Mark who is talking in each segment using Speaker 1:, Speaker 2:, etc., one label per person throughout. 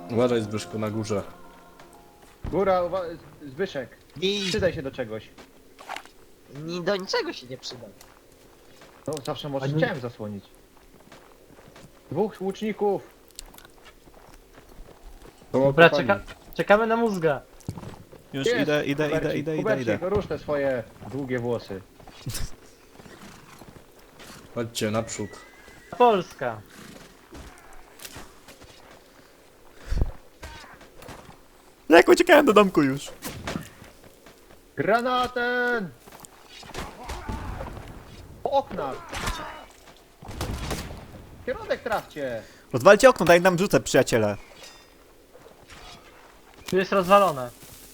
Speaker 1: Uważaj Zbyszku na górze.
Speaker 2: Góra, Zbyszek.
Speaker 3: I
Speaker 2: Przydaj się do czegoś.
Speaker 3: do niczego się nie przyda.
Speaker 2: No zawsze może
Speaker 4: A nie-
Speaker 2: chciałem zasłonić. Dwóch łuczników.
Speaker 4: Dobra, czekamy na mózga.
Speaker 5: Już
Speaker 2: Jest,
Speaker 5: idę,
Speaker 2: Kubercik, Kubercik, rusz te swoje długie włosy.
Speaker 1: Chodźcie naprzód.
Speaker 4: Polska.
Speaker 5: Jak uciekałem do domku już.
Speaker 2: Granatem! Po oknach! Kierunek trafcie!
Speaker 5: Rozwalcie okno, daj nam rzucę, przyjaciele.
Speaker 4: Tu jest rozwalone.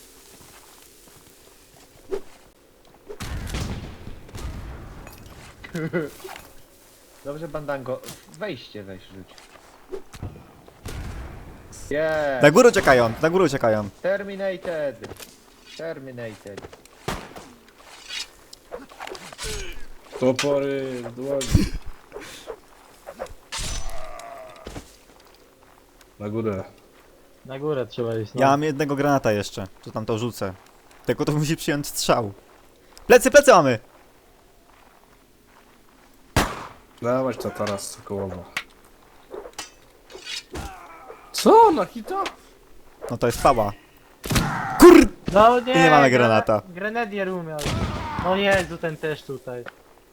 Speaker 2: Dobrze, Bandango. Wejście weź rzuć. Yeah!
Speaker 5: Na górę uciekają, na górę uciekają.
Speaker 2: Terminated! Terminated.
Speaker 1: Topory, dłoń. Na górę.
Speaker 4: Na górę trzeba iść. No.
Speaker 5: Ja mam jednego granata jeszcze, to tam to rzucę. Tylko to musi przyjąć strzał. Plecy, plecy mamy!
Speaker 1: Dawać to teraz Sokołowa. Co? Na hita?
Speaker 5: No to jest pała. Kur...
Speaker 4: No nie,
Speaker 5: I nie mamy granata.
Speaker 4: Grenadier umiał. No Jezu, ten też tutaj.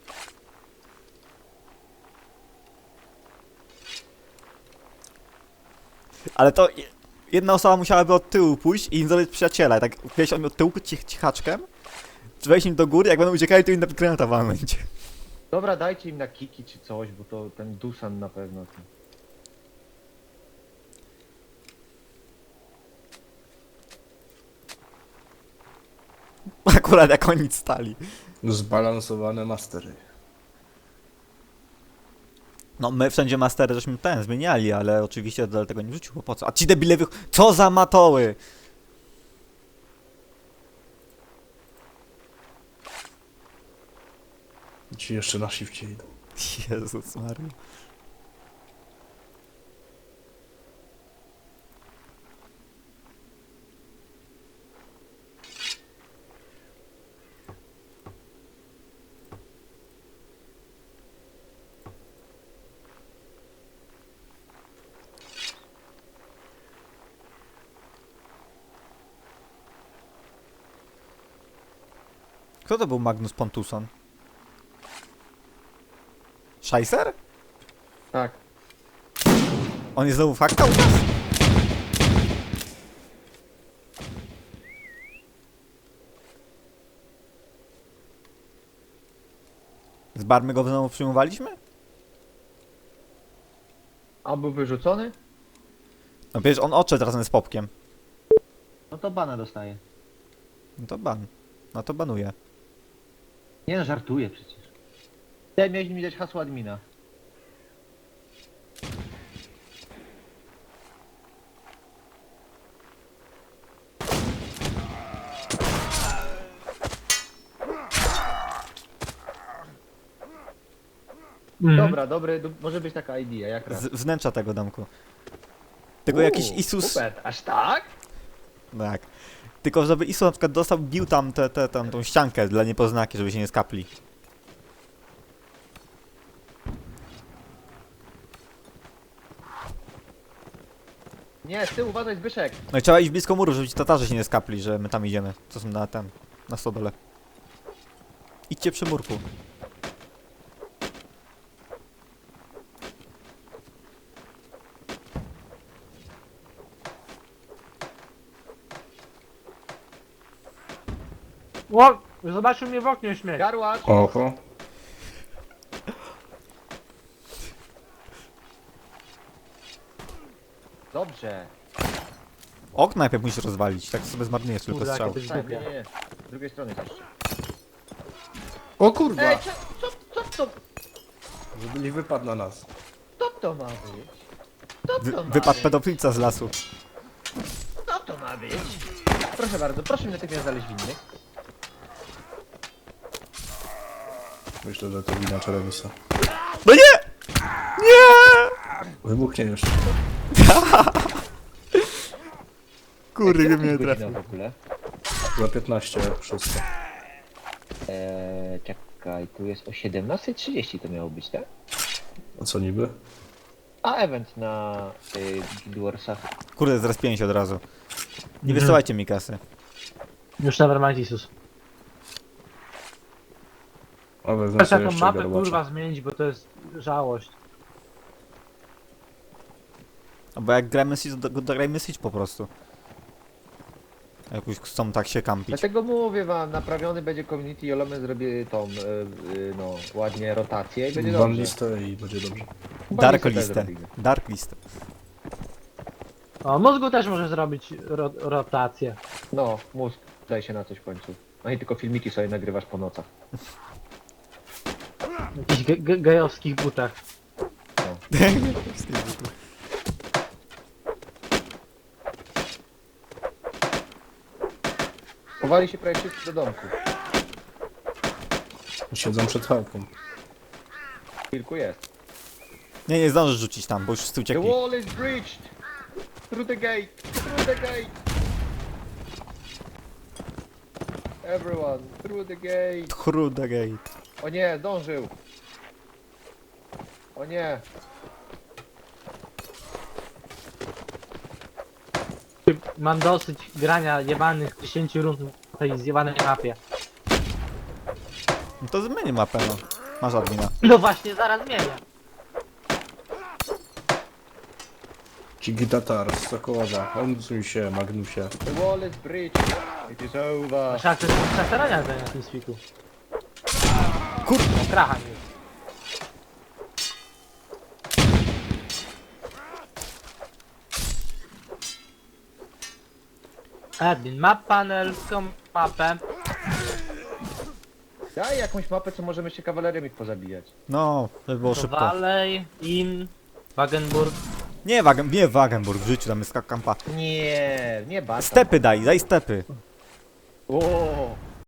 Speaker 5: Ale to jedna osoba musiałaby od tyłu pójść i im zrobić przyjaciela. Tak wejść od tyłu cichaczkiem, wejść im do góry, jak będą uciekali, to im na granata walnąć.
Speaker 2: Dobra, dajcie im na kiki czy coś, bo to ten Dusan na pewno.
Speaker 5: Akurat jak oni stali.
Speaker 1: Zbalansowane mastery.
Speaker 5: No my wszędzie mastery żeśmy zmieniali, ale oczywiście dlatego nie wrzucił, bo po co? A ci debile co za matoły!
Speaker 1: Ci jeszcze na shifcie idą.
Speaker 5: Jezus Maria. Kto to był Magnus Pontusson? Scheisser?
Speaker 2: Tak.
Speaker 5: On jest znowu fakta u nas? Z barmy go znowu przyjmowaliśmy?
Speaker 2: A był wyrzucony?
Speaker 5: No przecież on odszedł razem z Popkiem.
Speaker 2: No to bana dostaje.
Speaker 5: No to ban. No to banuje.
Speaker 2: Nie no, żartuję przecież. Ty miałeś mi dać hasło admina.
Speaker 4: Mhm.
Speaker 2: Dobra, dobry, może być taka idea, jak raz.
Speaker 5: Z wnętrza tego domku. Tylko jakiś Isus...
Speaker 2: Super, aż tak?
Speaker 5: Tak. Tylko żeby Isus na przykład dostał, bił tam tą ściankę dla niepoznaki, żeby się nie skapli.
Speaker 2: Nie, z tyłu uważaj Zbyszek.
Speaker 5: No i trzeba iść blisko muru, żeby ci Tatarzy się nie skapli, że my tam idziemy. Co są na stodole. Idźcie przy murku.
Speaker 4: O! Zobaczył mnie w oknie śmiech.
Speaker 2: Garłacz.
Speaker 1: Oho.
Speaker 2: Dobrze.
Speaker 5: Okno najpierw musisz rozwalić, tak sobie zmarnujesz tylko
Speaker 4: Kurde,
Speaker 5: strzał.
Speaker 4: jakie to jest
Speaker 2: Tak,
Speaker 4: głupie.
Speaker 2: nie. Z drugiej strony też.
Speaker 1: O kurwa!
Speaker 2: Ej, co
Speaker 1: Żeby nie wypadł na nas.
Speaker 2: to ma być? Co to ma
Speaker 5: Wypadł
Speaker 2: być?
Speaker 5: pedofilca z lasu.
Speaker 2: Co to ma być? Proszę bardzo, proszę mi natychmiast znaleźć winnych.
Speaker 1: Myślę, że to wina Czerewisa.
Speaker 5: No nie! Nie!
Speaker 1: Wybuchnie jeszcze.
Speaker 5: Kurde,
Speaker 2: Jaka
Speaker 5: mnie
Speaker 2: jest
Speaker 5: trafił.
Speaker 2: godzina w ogóle?
Speaker 1: Za 15, szósta.
Speaker 2: Czekaj, tu jest o 17:30 to miało być, tak?
Speaker 1: A co niby?
Speaker 2: A event na Guild Warsach.
Speaker 5: Kurde, zrespiłem się od razu. Nie
Speaker 4: Mhm.
Speaker 5: wysyłajcie mi kasy.
Speaker 4: Już nevermind Isus.
Speaker 1: A wezmę
Speaker 4: Chcę
Speaker 1: sobie
Speaker 4: taką
Speaker 1: jeszcze
Speaker 4: mapę
Speaker 1: garbacza.
Speaker 4: kurwa zmienić, bo to jest żałość.
Speaker 5: No bo jak gramy Siege, to grajmy Siege po prostu. Jak już chcą tak się kampić.
Speaker 2: Dlatego mówię wam, naprawiony będzie community, Jolome zrobi tą, no, ładnie rotację i będzie
Speaker 1: Ban
Speaker 2: dobrze.
Speaker 1: listę i będzie dobrze.
Speaker 5: Dark
Speaker 2: Ban listę
Speaker 5: listę.
Speaker 2: też zrobimy.
Speaker 5: Dark listę.
Speaker 4: O, mózgu też może zrobić rotację.
Speaker 2: No, mózg, daj się na coś w końcu. No i tylko filmiki sobie nagrywasz po nocach.
Speaker 4: W jakichś gejowskich butach.
Speaker 2: Chowali się prawie wszyscy do domku.
Speaker 1: Siedzą przed chałką.
Speaker 2: Kilku jest.
Speaker 5: Nie zdążysz rzucić tam, bo już wszyscy
Speaker 2: The
Speaker 5: uciekli.
Speaker 2: wall is breached! Through the gate! Through the gate! Everyone, through the gate!
Speaker 5: Kurde gate.
Speaker 2: O nie, zdążył! O nie!
Speaker 4: Mam dosyć grania jebanych 10 rund na tej zjebanej mapie.
Speaker 5: No to zmieni mapę, no. Masz admina.
Speaker 4: No właśnie, zaraz zmienię.
Speaker 1: Cigi Tatar z Sokołowa. Odsuń się, Magnusie.
Speaker 2: The wall is breached! It is over!
Speaker 4: Trzeba też starania tutaj na tym spiku. Kurde, kracha mi. Admin, map panel, tą mapę.
Speaker 2: Daj jakąś mapę, co możemy się kawalerią ich pozabijać.
Speaker 5: No, to by było
Speaker 4: To
Speaker 5: szybko.
Speaker 4: Valley, In, Wagenburg.
Speaker 5: Nie Wagenburg w życiu, tam jest kampa.
Speaker 2: Nie, nie bata.
Speaker 5: Stepy daj stepy.
Speaker 2: O,